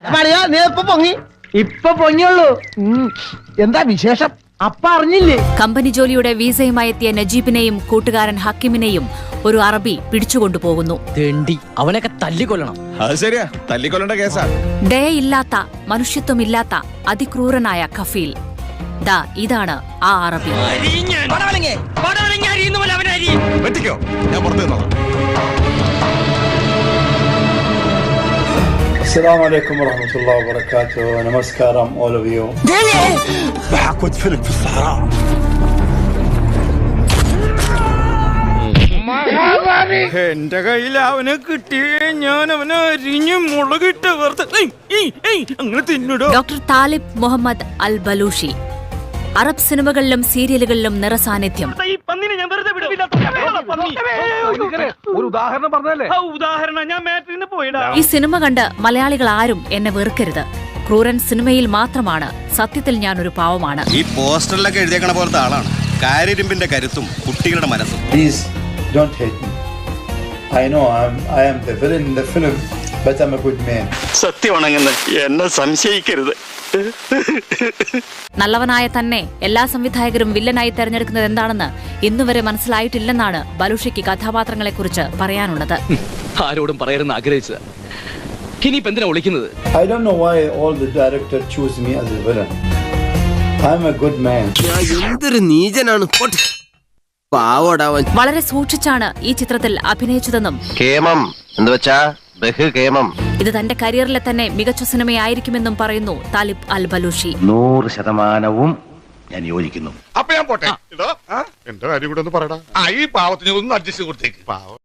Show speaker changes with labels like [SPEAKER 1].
[SPEAKER 1] ഇപ്പൊ പൊങ്ങിയുള്ളൂ. എന്താ വിശേഷം? അപ്പ അറിഞ്ഞില്ലേ?
[SPEAKER 2] കമ്പനി ജോലിയുടെ വീസയുമായി എത്തിയ നജീബിനെയും കൂട്ടുകാരൻ ഹക്കിമിനെയും ഒരു അറബി പിടിച്ചുകൊണ്ടുപോകുന്നു.
[SPEAKER 3] അവനൊക്കെ തല്ലിക്കൊല്ലണം.
[SPEAKER 4] അത് ശരിയാ, തല്ലിക്കൊല്ലേണ്ട കേസാ.
[SPEAKER 2] ദയയില്ലാത്ത, മനുഷ്യത്വമില്ലാത്ത അതിക്രൂരനായ കഫീൽ. ദാ ഇതാണ് ആ അറബി.
[SPEAKER 4] വെട്ടിക്കോ, ഞാൻ പുറത്തു നിന്നോളാം.
[SPEAKER 5] السلام عليكم ورحمة الله وبركاته. نمسكارم all of you.
[SPEAKER 4] بحكوت فيلم في الصحراء.
[SPEAKER 6] എന്റെ കയ്യിൽ അവനെ കിട്ടിയേ ഞാൻ അവനെ അരിഞ്ഞ് മുളകിട്ട് അങ്ങനെ തിന്നിടോ.
[SPEAKER 2] Doctor Talib Muhammad Al Balushi. അറബ് സിനിമകളിലും സീരിയലുകളിലും നിറസാന്നിധ്യം.
[SPEAKER 1] ഒരു ഉദാഹരണം പറഞ്ഞല്ലേ?
[SPEAKER 2] ഈ സിനിമ കണ്ട് മലയാളികൾ ആരും എന്നെ വെറുക്കരുത്. ക്രൂരൻ സിനിമയിൽ മാത്രമാണ്, സത്യത്തിൽ ഞാൻ ഒരു പാവമാണ്.
[SPEAKER 4] ഈ പോസ്റ്ററിലൊക്കെ എഴുതിയേക്കണ പോലത്തെ ആളാണ്. കാര്യരുമ്പിന്റെ കരുത്തും കുട്ടികളുടെ മനസ്സും.
[SPEAKER 5] Please don't hate me. I know I am the villain in the film, but I'm a good man.
[SPEAKER 4] സത്യമാണെന്ന് എന്നെ സംശയിക്കരുത്.
[SPEAKER 2] നല്ലവനായ തന്നെ എല്ലാ സംവിധായകരും വില്ലനായി തെരഞ്ഞെടുക്കുന്നത് എന്താണെന്ന് ഇന്നുവരെ മനസ്സിലായിട്ടില്ലെന്നാണ് ബലൂഷിക്ക് കഥാപാത്രങ്ങളെക്കുറിച്ച് പറയാനുള്ളത്.
[SPEAKER 3] ആരോടും പറയരുന്ന് ആഗ്രഹിച്ചത്. ഇനിയിപ്പോ എന്തിനാ വിളിക്കുന്നത്?
[SPEAKER 5] I don't know why all the directors choose me as a villain. I'm a good man.
[SPEAKER 7] എന്തൊരു നീചനാണ്.
[SPEAKER 2] വളരെ സൂക്ഷിച്ചാണ് ഈ ചിത്രത്തിൽ അഭിനയിച്ചതെന്നും
[SPEAKER 7] കേമം എന്ന് വെച്ചാ ബഹുകേമം.
[SPEAKER 2] ഇത് തന്റെ കരിയറിലെ തന്നെ മികച്ച സിനിമയായിരിക്കുമെന്നും പറയുന്നു താലിബ് അൽ ബലൂഷി.
[SPEAKER 7] 100% ഞാൻ യോജിക്കുന്നു.
[SPEAKER 4] അപ്പൊ ഞാൻ പോട്ടെ. എന്റെ കാര്യം കൂടെ ഒന്ന് പറയടാ. ഈ പാവത്തിന് ഒന്ന് അഡ്ജസ്റ്റ് കൊടുത്തേക്ക്.